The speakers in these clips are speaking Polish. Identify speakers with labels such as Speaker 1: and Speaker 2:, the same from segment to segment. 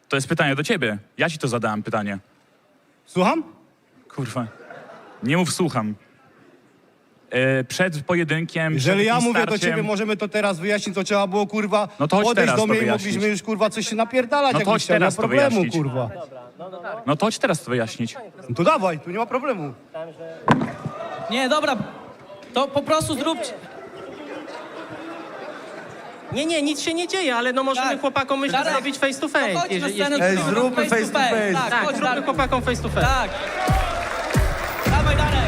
Speaker 1: To jest pytanie do ciebie. Ja ci to zadałem pytanie.
Speaker 2: Słucham?
Speaker 1: Kurwa. Nie mów słucham. Przed pojedynkiem,
Speaker 2: Jeżeli
Speaker 1: przed
Speaker 2: ja
Speaker 1: tym
Speaker 2: mówię do
Speaker 1: starciem,
Speaker 2: ciebie, możemy to teraz wyjaśnić, co trzeba było, kurwa,
Speaker 1: No to chodź
Speaker 2: podejść
Speaker 1: teraz
Speaker 2: do
Speaker 1: to
Speaker 2: mnie i
Speaker 1: wyjaśnić.
Speaker 2: mogliśmy już, kurwa, coś się napierdalać,
Speaker 1: No to
Speaker 2: jakbyś
Speaker 1: chodź
Speaker 2: chciał, nie ma
Speaker 1: teraz to
Speaker 2: problemu,
Speaker 1: wyjaśnić.
Speaker 2: kurwa.
Speaker 1: No to chodź teraz to wyjaśnić.
Speaker 2: No to dawaj, tu nie ma problemu.
Speaker 3: Nie, dobra, to po prostu zróbcie.
Speaker 4: Nie, nic się nie dzieje, ale no możemy
Speaker 3: Tak.
Speaker 4: chłopakom myślę
Speaker 3: Darek,
Speaker 4: zrobić face to face.
Speaker 3: No chodź na scenę,
Speaker 5: Ej,
Speaker 3: zróbmy
Speaker 5: zróbmy face to face.
Speaker 3: Tak,
Speaker 4: Tak,
Speaker 3: chodź,
Speaker 4: zróbmy
Speaker 3: Darku.
Speaker 4: chłopakom face to face.
Speaker 3: Tak. Dawaj, Darek.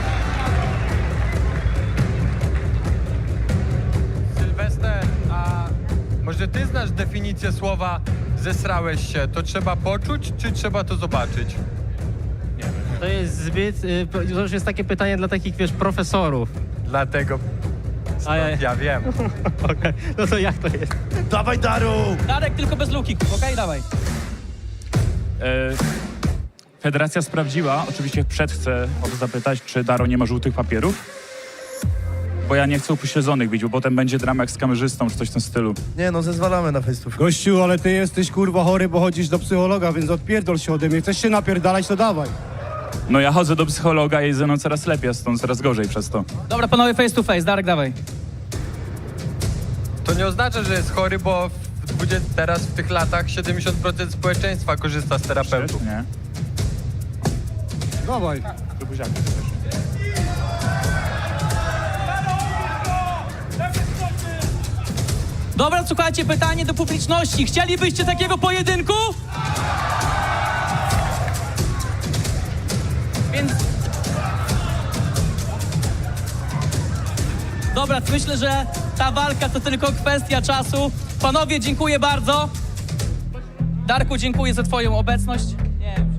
Speaker 5: Sylwester, a może ty znasz definicję słowa zesrałeś się? To trzeba poczuć, czy trzeba to zobaczyć?
Speaker 4: To jest zbyt, to już jest takie pytanie dla takich, wiesz, profesorów.
Speaker 5: Dlatego
Speaker 4: A
Speaker 5: ja wiem.
Speaker 4: Okej, no to jak to jest?
Speaker 2: Dawaj, Daru!
Speaker 3: Darek, tylko bez luki, okej? Dawaj.
Speaker 1: Federacja sprawdziła, oczywiście chcę o to zapytać, czy Daro nie ma żółtych papierów? Bo ja nie chcę upośledzonych bić, bo potem będzie drama jak z kamerzystą, czy coś w tym stylu.
Speaker 6: Nie no, zezwalamy na face to face.
Speaker 2: Gościu, ale ty jesteś, kurwa, chory, bo chodzisz do psychologa, więc odpierdol się ode mnie. Chcesz się napierdalać, to dawaj.
Speaker 1: No ja chodzę do psychologa i jest ze mną coraz lepiej, a stąd coraz gorzej przez to.
Speaker 3: Dobra, panowie, face to face. Darek, dawaj.
Speaker 5: To nie oznacza, że jest chory, bo teraz w tych latach 70% społeczeństwa korzysta z terapeutów.
Speaker 1: Nie?
Speaker 2: Dawaj.
Speaker 1: Do buziaka też.
Speaker 3: Dobra, słuchajcie, pytanie do publiczności. Chcielibyście takiego pojedynku? Więc... Dobra, myślę, że ta walka to tylko kwestia czasu. Panowie, dziękuję bardzo. Darku, dziękuję za twoją obecność. Nie,